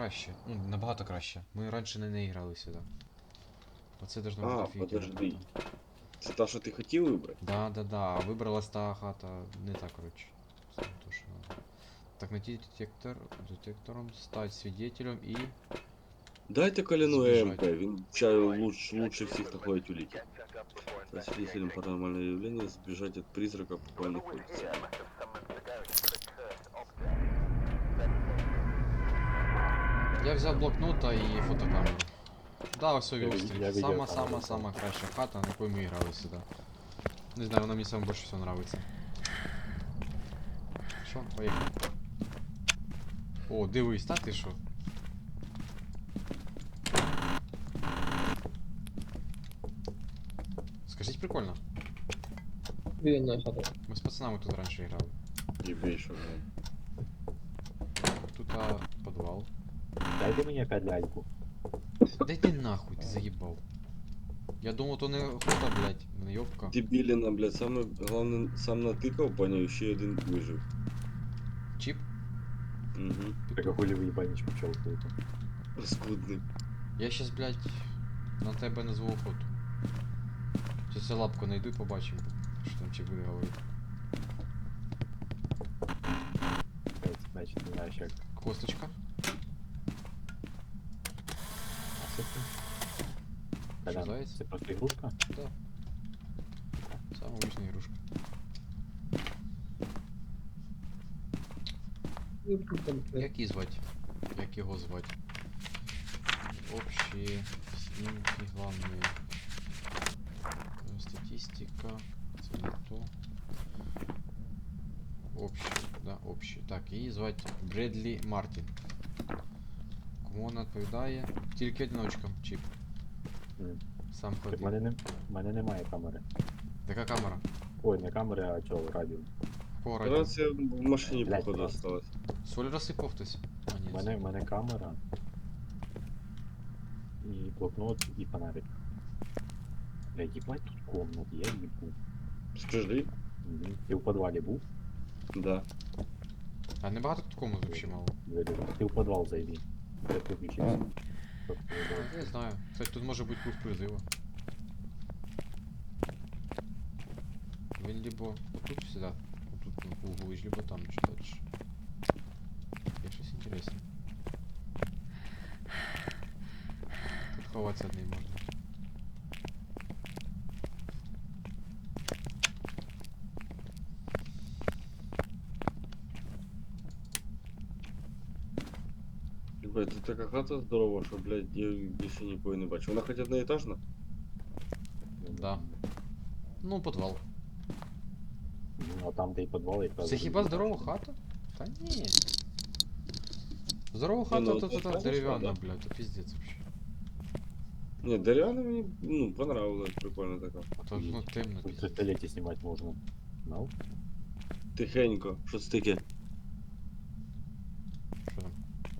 краще. Ну, набагато краще. Ми раніше не грали сюди. Оце должно бути А, офігенно подожди. круто. Це та, що ти хотів вибрати? Да. А вибралась та хата не та, коротше. Це не то, що надо. Так, найти детектором, стать свидетелем и Дайте Коляну сбежать. ЭМП, він лучше всіх находить улики. Стать свидетелем паранормального явления, сбежать от призрака, пока он находится. Я взяв блокнота і фотокамеру. Да, ось Я Вілстріт. видео Сама краща хата, на якої ми грали сюди. Не знаю, вона мені саме більше всього нравиться. Що, поїхали. О, дивись, та ти що? Скажіть, прикольно. Вільна хата. Ми з пацанами тут раніше грали. Ебей, що блядь. Тут підвал. Дайте мені опять ляльку. Да йди нахуй, ти заїбав. Я думав, то не охота, блядь, не йобка. Дебіліна, блядь, саме головне, сам натикав, поняв, і ще один вижив. Чіп? Угу. Так а хули ви їбаніч почалкуєте? Паскудний. Я щас, блядь, на тебе назву охоту. Сейчас я лапку найду і побачимо, що там чіп буде говорити. Значить, не знаєш як. Косточка. А це ти? Колян, заяць? це просто ігрушка? Да. Самая обычная игрушка. Як її звати? Як його звати? Общие снимки главные. Статистика. Це не то. Общий, да, общий. Так, її звати Бредлі Мартін. Кому вона відповідає? Тільки одиночкам, чіп. Сам Так ходив. в мене немає камери. Така камера. Ой, не камери, а чого, радіо. По радіо. Раз я в машині, Блядь, походу, раз. осталось. Соль розсипав хтось? А, ні. В мене камера. І блокнот, і фонарик. Блядь, їбать тут комнат, я їбу. Скажи. Ти в підвалі був? Да. А небагато тут комнат вообще мало. Ти в підвал зайди. Я виключився. А, я знаю. Кстати, тут може бути круг призива. Він либо отут всегда, отут на углу, либо там чуть дальше. Я щось інтересне. Тут ховатися одним можна. Ебать, тут така хата здорова, що, блядь, я більше нікого не бачу. Вона хоч одноетажна? Да. Ну, підвал. Ну, а там, де і підвал, якраз... Це хіба здорова хата? Та ні. Здорова хата, ну, то це та дерев'яна, да. блядь, то пиздец вообще. Ні, дерев'яна мені, ну, понравилась, прикольно така. А то, ну, темно, Тут пиздец. в туалеті знімати можна. Ну? Тихенько, що це таке? Що там?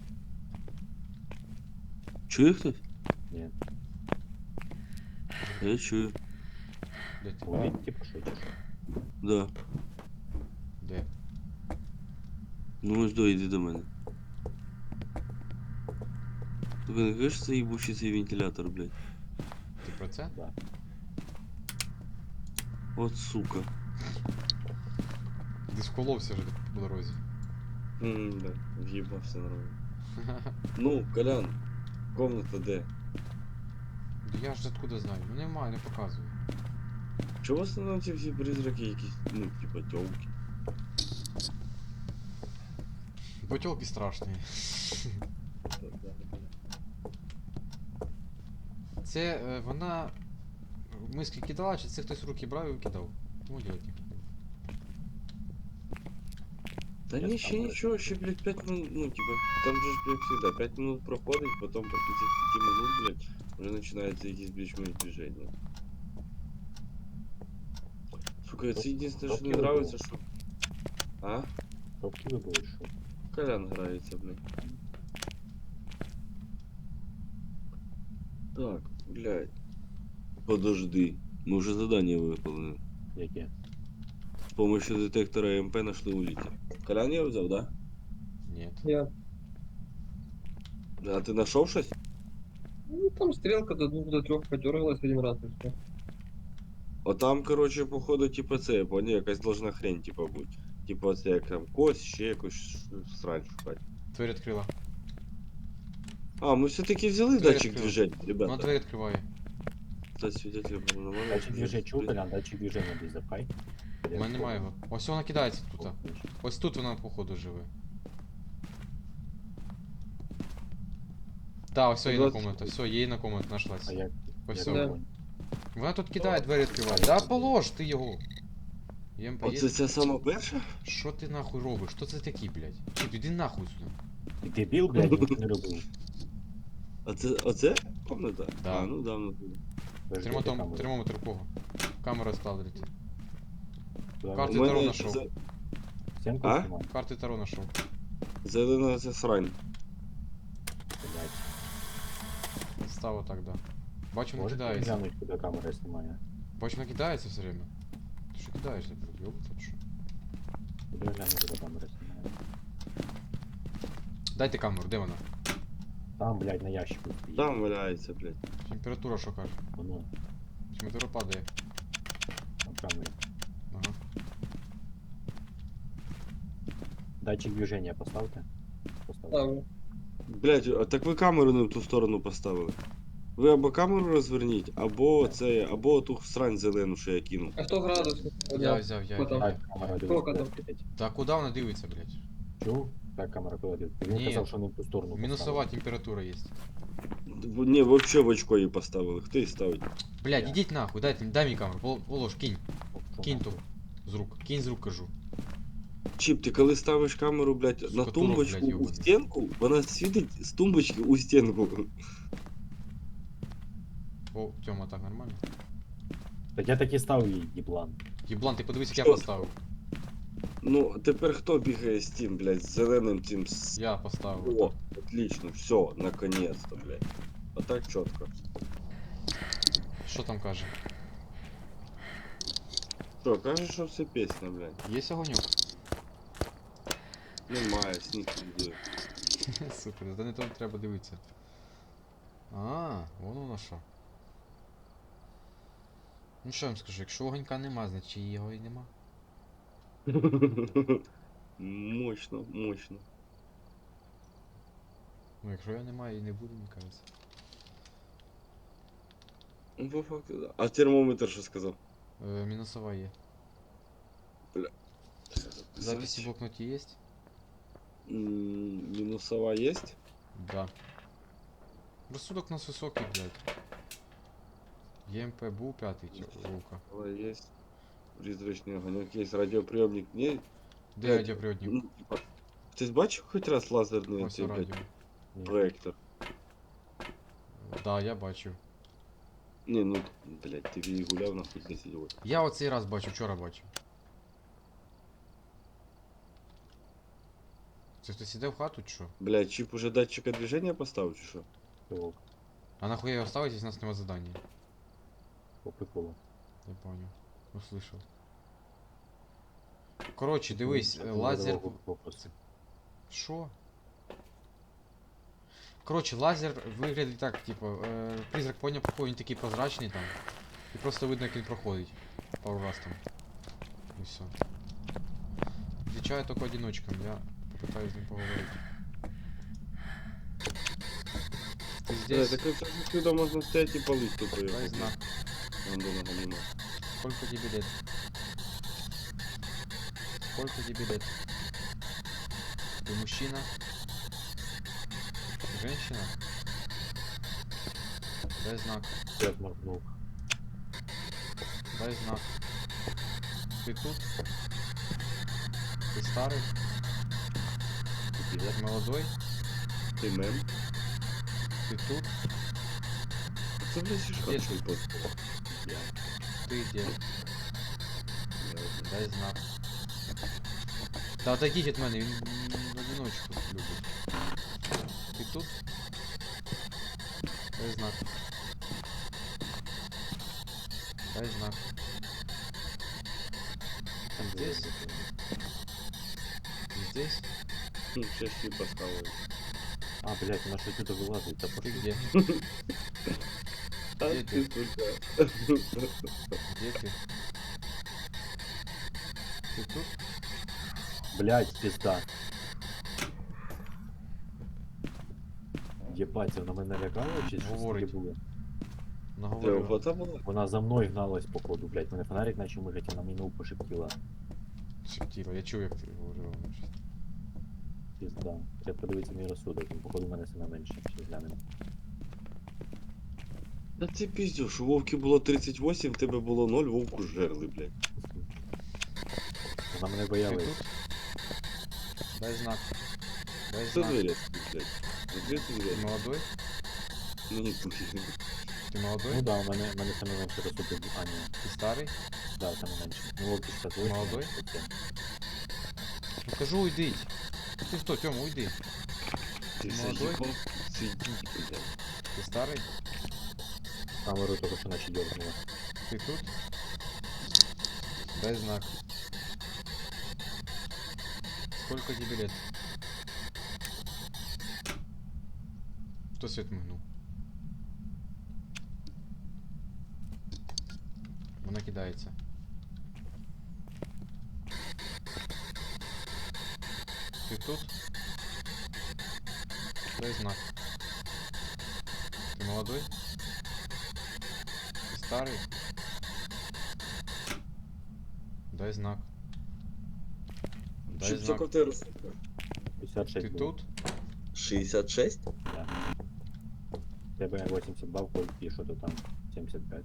Чує хтось? Ні. Я чую. Де ти? Туалет, типу, що чи що? Да. Де? Ну ось йди до мене. Тобі не кажеш, це їбучий цей вентилятор, блядь? Ти про це? Да. От сука. Ти сколовся вже по дорозі. Да, в'їбався нормально. Ну, Колян, комната де? Да я ж откуда знаю? Ну немає, не показую. Чого в основному ці всі призраки якісь, ну, типа тёлки? Бо тёлки страшні. Це вона миски кидала, чи це хтось руки брав і викидав? Ну, делать не хотів. Та Я ні, там ще говорю. нічого, ще, блядь, 5 минут, ну, типа, там же ж, як всегда, 5 минут проходить, потом после цих 5 минут, блядь, вже починається якісь більш-менш движення. Сука, це єдине, що не нравится, що... А? Тобто ви були, що? Колян грається, блядь. Так, блядь. Подожди, мы уже задание выполнили. Яке? С помощью детектора МП нашли улики. Колян я взял, да? Нет. Я А ти знайшов щось? Ну, там стрелка до 2 до 3 подергалась один раз и все. Отам, короче, походу, типа це, я поняв, якась должна хрень, типа, бути. Типа, це як там кость, ще якусь срань шукати. Двері відкрила. А, ми все-таки взяли Двері датчик відкрила. движення, Вона ребята. двері відкриває. Стать свидетелем паранормального. Датчик движения чув, Колян, датчик движения десь запхай. У мене немає його. Ось вона кидається тут. Ось тут вона, походу, живе. Та, ось її на 20. комната, все, її на комнату нашлась. А як? Ось як все. Да. вогонь? Вона тут кидає, двері відкриває. Да полож ти його. ЄМП Оце є? ця сама перша? Що ти нахуй робиш? Що це такі, блядь? Чіп, іди нахуй сюди. Ти дебіл, блядь, ніхто не робив. Оце комната? Да. А, ну да, ну. Подожди, де камера? Термометр у кого? Камера ставить. Куди карти вона? Таро мене нашов. Стінку А? знімає? Карти Таро нашов. зелена ця срань. Блядь. Став отак, да. Бачу, вона Можете кидається. глянуть, куди камера знімає? Бачу, вона кидається все время. Ти що кидаєшся, блядь? Ёбаться, чи що? Куди глянуть, куди камера знімає? Дайте камеру, де вона? Там, блядь, на ящику стоїть. Там валяється, блядь. Температура що каже? Воно, Температура падає. там камера. Ага. Датчик движения поставте. Поставте. Ставлю. Блядь, а так ви камеру не в ту сторону поставили. Ви або камеру розверніть, або це, або ту срань зелену, що я кинув. А 100 градусов? Я взяв, я. Хто там? Так, камера Сколько дивиться. там? блядь. Та куди вона дивиться, блядь? Чув? Так, камера куди дивиться. Він Ні. казав, що не в ту сторону Мінусова температура є. Ні, вообще в очко її поставили. Хто її ставить? Блядь, Я. ідіть нахуй, дай мені камеру. Полож, кинь. поставив. Кинь ту. З рук. Кинь з рук, кажу. Чіп, ти коли ставиш камеру, блядь, на Сука, тумбочку турок, блядь, у ёбаний. стінку, вона світить з тумбочки у стінку. О, Тьома, так нормально? Так я таки став її, їблан. Єблан, ти подивись, як я Що? поставив. Ну, тепер хто бігає з тим, блядь, з зеленим цим Я поставив. О, отлично, все, наконец-то, блядь. А так чітко. Що там каже? Що, каже, що все пісня, блядь. Є огоньок? Немає, сніг піде. Супер, то не то треба дивитися. А, вон воно що. Ну що я вам скажу, якщо огонька нема, значить його і нема. Мощно, мощно. Ну якщо його немає і не буде, мені кажеться. Ну, по факту, да. А термометр що сказав? Мінусова є. Записи в блокноті є? Мінусова есть? Да. Розсудок у нас високий, блядь. ЕМП був 5 рука. Есть. Призрачний огонек, есть радіоприйомник. Ні, Де Блядь, радіоприводник? ну, типа, Хтось бачив хоч раз лазерний Ось цей, блядь, радіо. проектор? Да, я бачив. Ні, ну, блядь, ти її гуляв нахуй 10 років. Я оцей раз бачив, вчора бачив. Це хтось іде в хату, чи що? Блядь, чип уже датчика движения поставив, чи що? Пилок. А нахуя його ставить, если у нас нема задания? По приколу. Я понял. Услышал. Короче, дивись, лазер... Що? Короче, лазер виглядить так, типу, призрак поняв, какой він такий прозрачний там. І просто видно, як він проходить. Пару раз там. І все. Відвічаю тільки одиночкам, я попитаюсь з ним поговорити. Ти Блядь, здесь? так это отсюда можно стоять и полыть тупо Дай её. знак. Андона Галима. Сколько тебе лет? Сколько тебе лет? Ты мужчина? Женщина? Дай знак. Я моргнув. Дай знак. Ты тут? Ты старый? Ты молодой? Ты мем? Ты тут? Це, блядь, шишка Нет. чой под. Я. Ты где? Дай знак. Да отойдите от мене, він в одиночку любить. Ти тут? Дай знак. Дай знак. Ты здесь? Ты здесь? Ще щі поставили. А, блядь, вона щось тут вилазить, та Ты пошли. где? А Где ты, ты? сука. Где ты? Ты тут? Блядь, пізда. Єбать, вона мене лякала чи щось таке Говорить. було? Це Наговорила. охота була? Вона за мною гналась, походу, блядь. Мене фонарик наче мигать, вона мені пошептила. Шептила. Я чув, як ти говорила. вона щось. Пізда. Треба подивитися мій розсудок, він, походу, в мене саме менше, ще глянемо. Та ти піздюш, у Вовки було 38, в тебе було 0, Вовку жерли, блядь. Вона мене Ты боялась. тут? Дай знак. Дай Що знак. двері, блядь? Закрий Ты двері. молодой? Мені похер. Ты молодой? Ну да, у мене саме менше розсудок. А, ні. Ты старый? Да, саме менше. Ну, Вовки 68. Молодой? таке. Ну кажу, уйди. Ты что, Тёма, уйди. Ти Молодой? заїбав сидіть, блядь. Ты старый? Камеру тільки що наче дергнула. Ты тут? Дай знак. Сколько тебе лет? Кто свет мигнул? Вона кидається. Ти тут? Дай знак. Ты молодой? Ты старый? Дай знак. Дай Що знак. в тебе розсудка? 56 Ты було. тут? 66? Да. Тебе 82 входить і що то там 75.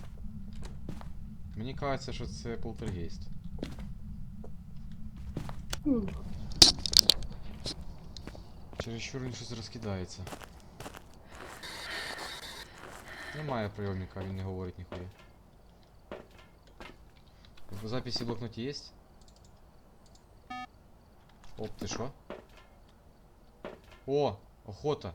Мені кажеться, що це полтергейст. Чересчур він щось розкидається. Немає прийомника, він не говорить ніхуя. В записі в блокноті є? Оп, ти що? О! Охота!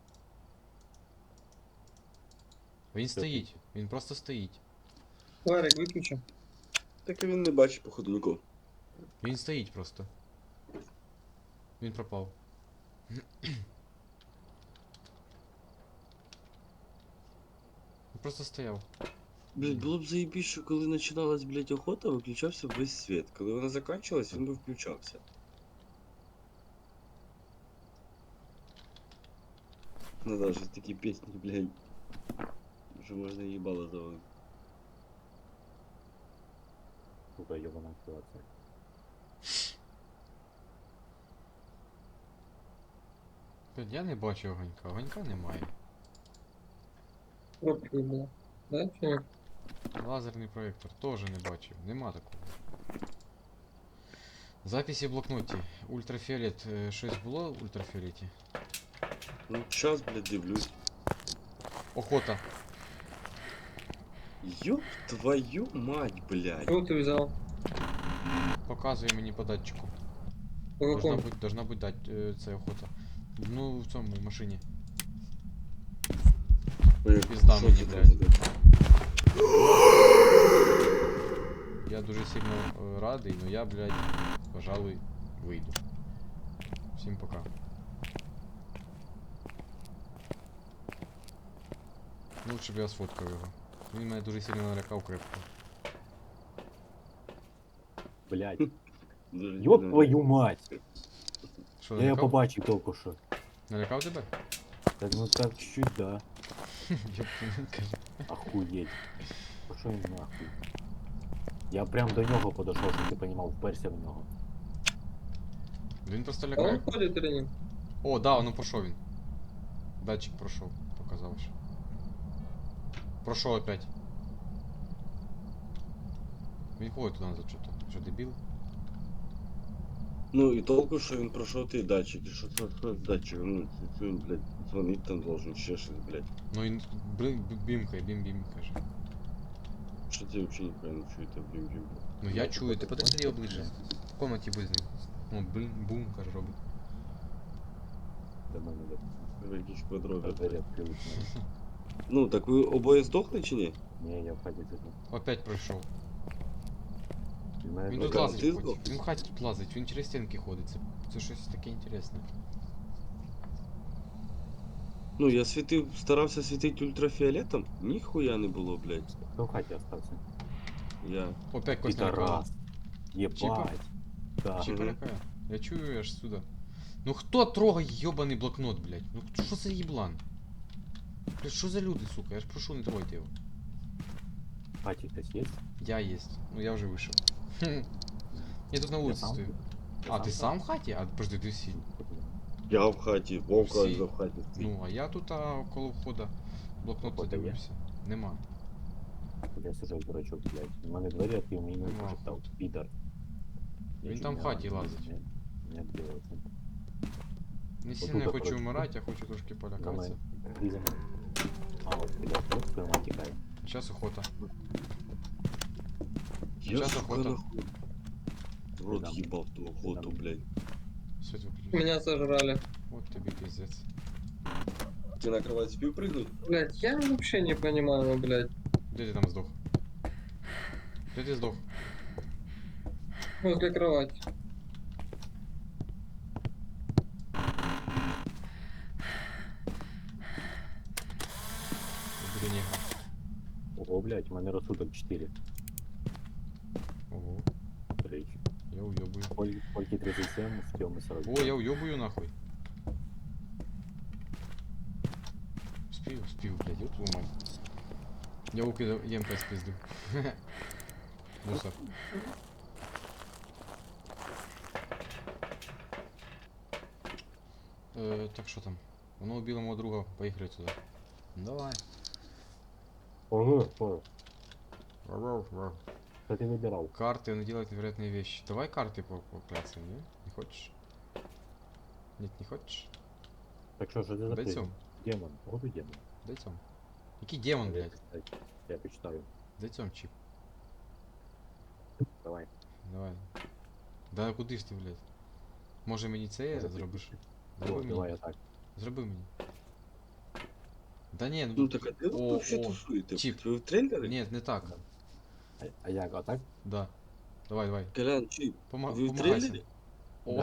Він стоїть, він просто стоїть. Ларик, выключи. Так і він не бачить, походу, нікого. Він стоїть просто. Він пропав. Він просто стояв. Блядь, було б заєбіше, що коли починалась, блядь, охота, виключався весь світ. Коли вона закінчилась, він би включався. Ну да, щось такі пісні, блядь. Що можна їбало завалити. Сука, йобана ситуація. Блядь, я не бачу огонька, огонька немає. Пробка была. Да, человек? Лазерний проєктор теж не бачив, нема такого. Записи в блокноті. Ультрафіолет. Щось було в ультрафіолеті? Ну, час, блядь, дивлюсь. Охота. Ёб твою мать, блядь. Что ты взял? Показує мені по датчику. По какому? Должна бути це охота. Ну, в цьому в машині. Ой, Пізда що мені, ти там блядь. зробив? Я дуже сильно радий, но я, блядь, пожалуй, вийду. Всім пока. Лучше б я сфоткав його. Він мене дуже сильно налякав крепко. Блядь. Дуже Ёб сильно. твою мать! Що, Я його налякав? побачив тільки що. Налякав тебе? Так, ну так чуть-чуть, да. Ёб твою, каже. Охуеть. Пошел він нахуй. Я прям до нього подошов, щоб ти понімав, вперся в нього. Він просто А лякає. он ходит или нет? О, да, ну пройшов він. Датчик пройшов, показав що. Пройшов опять. Він ходить туди назад что-то. Що, дебіл? Ну і толку, що він пройшов той датчик. І що це з датчиком? Ну, це він, блядь, дзвонить там должен, ще щось, блядь. Ну він бімкає, бім-бім, каже. Що це взагалі ніхуя не чуєте, блін. Ну я чую, ти подойди його ближче. В комнаті будь з ним. О, блін, бум, каже, робить. До мене Ви якісь подроги. двері відкрились. Ну, так ви обоє здохли чи ні? Ні, я в хаті сиджу. Опять пройшов. Від мене Він двері- тут Ти лазить здох? хоч. Він в хаті тут лазить, він через стінки ходить. Це щось таке інтересне. Ну, я світив, старався світити ультрафіолетом, ніхуя не було, блядь. Хто в хаті остався? Я. Опять кость налякала. Підарас. Єбать. Да. Чіпа Мгм. лякає. Я чую аж сюда. Ну хто трогає йобаний блокнот, блядь? Ну що за їблан? Блядь, що за люди, сука? Я ж прошу, не трогайте його. В хаті хтось є? Я есть. Ну я вже вийшов. Хм. Я тут на Я вулиці сам стою. тут. А, ти сам в хаті? А подожди, ти всі. Я в хаті, Вовка Всі. в хаті. Ну, а я тут коло входа блокнот Входа є? задивився. Нема. Я сижу, дурачок, блядь. У мене двері відкрив, мені не Нахуй. пошептав. Підар. Я Він чуть там в не хаті ранив, лазить. Не відбилося. Не Отут сильно я хочу коротше. вмирати, я хочу трошки За полякатися. мною. Ти за мною. А, от, підар, от прямо тікає. Сейчас охота. Я, Щас сука, охота. нахуй. В рот Дам. їбав ту охоту, Дам. блядь. Свет выключить. Меня сожрали. Вот тебе пиздец. Ти на кровать спів пригнуть? Блять, я вообще не понимаю, блять. Где ты там сдох? Где ты сдох? Возле кровати. Убери негра. Ого, блядь, у мене розсудок 4. Ого, Речі. я уебую. Польки 37, в Тёмы 40. О, я уебую нахуй. Успею, блядь, ёб твою мать. Я укидал ЕМП с пизду. Мусор. Так что там? Воно убило моего друга, поехали туда. Давай. Ого, ого. Вау. Что ты выбирал? Карты, он делает невероятные вещи. Давай карты покляться, не? Не хочешь? Нет, не хочешь? Так что же ты за Дайте призм? он. Демон. Вот и демон. Дайте он. Який демон, блядь? Я почитаю. Дайте он чип. Давай. Давай. Да куди ж ти, блядь? Може мені це Може, зробиш? О, Зроби давай мені. я так. Зроби мені. Да ні, Ну ну так, а де ви О, вообще о, тусуєте? чіп. Ви в трейлері? ні, не так. А я а так? Да. Давай. Колян, чіп, Ви ви в помагайся. трейлері? О.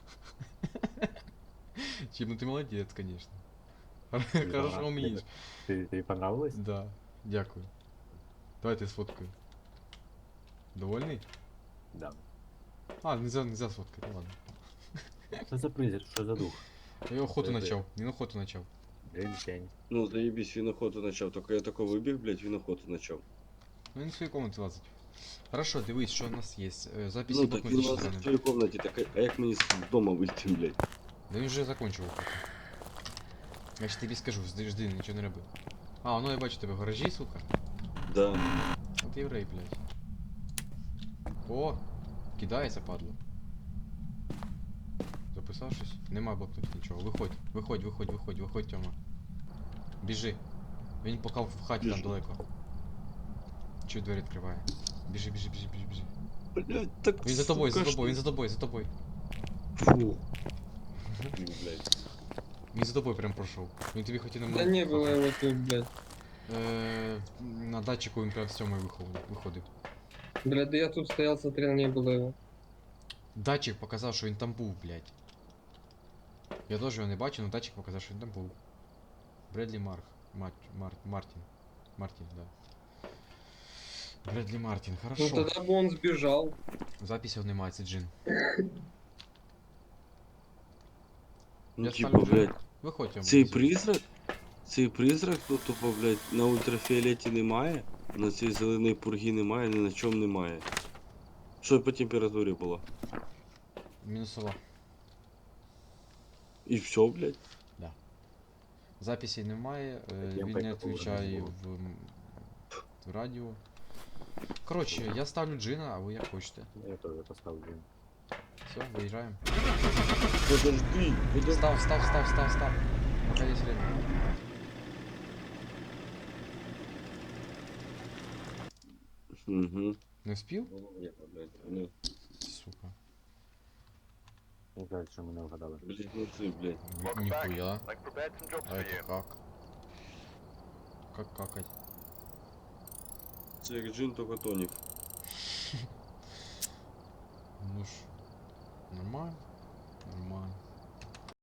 Чип, ну ти молодець, конечно. Хорошо вмієш. Ты понравилось? Да. Дякую. Давайте сфоткаю. Довольний? Да. А, нельзя сфоткати, ладно. Что за призер? Что за дух? Я охоту Це- начав. Він охоту начав. День. Ну, заебись, він охоту почав. Тільки я тако вибіг, блядь, він охоту почав. Ну він в своїй комнаті лазить. Хорошо, дивись, що у нас є. Записи Ну, в так блокноті він лазить в читаємо. своїй комнаті, так а як мені з дома вийти, блядь? Да він вже закончив охоту. Я ж тобі скажу, жди, нічого не роби. А, ну я бачу тебе в гаражі, сука. Да. От єврей, блядь. О, кидається, падло. Записав щось? Нема в блокноті нічого. Виходь, Тьома. Біжи. Він поки в хаті там Біжу. далеко. Чуть двері відкриває. Біжи. Блядь, так Він за тобою, сука, він за тобою. Фу. Блядь. Він за тобою прям пройшов. Він тобі хотів на Да не было его тут, блядь. На датчику він прям з цьому виходив. Блядь, да я тут стоял, смотрел, не было его. Датчик показав, що він там був, блядь. Я теж його не бачу, але датчик показав, що він там був. Бредлі Мартін, да. Бредлі Мартін, Ну хорошо. тогда бы он сбежал. Записів немає, це джин. Ну, Я типа, ставлю джин. блядь, Виходь, Тьома. цей призрак, ну, тупо, блядь, на ультрафіолеті немає, на цій зеленій пургі немає, ні на чому немає. Що по температурі було? Мінусова. І все, блядь. Записей немає, Я він пойду не відповідає поверну. в радіо. Коротше, я ставлю джина, а ви як хочете. Я тоже поставлю. Все, виїжджаємо. Подожди, Став. Пока есть время. Угу. Не вспів? Ну, Сука. Не кажется, что мы не угадали. блядь, ну ты, блядь. Нихуя. А это как? Как какать? Це як джин, тільки тонік. Ну ж. Нормально.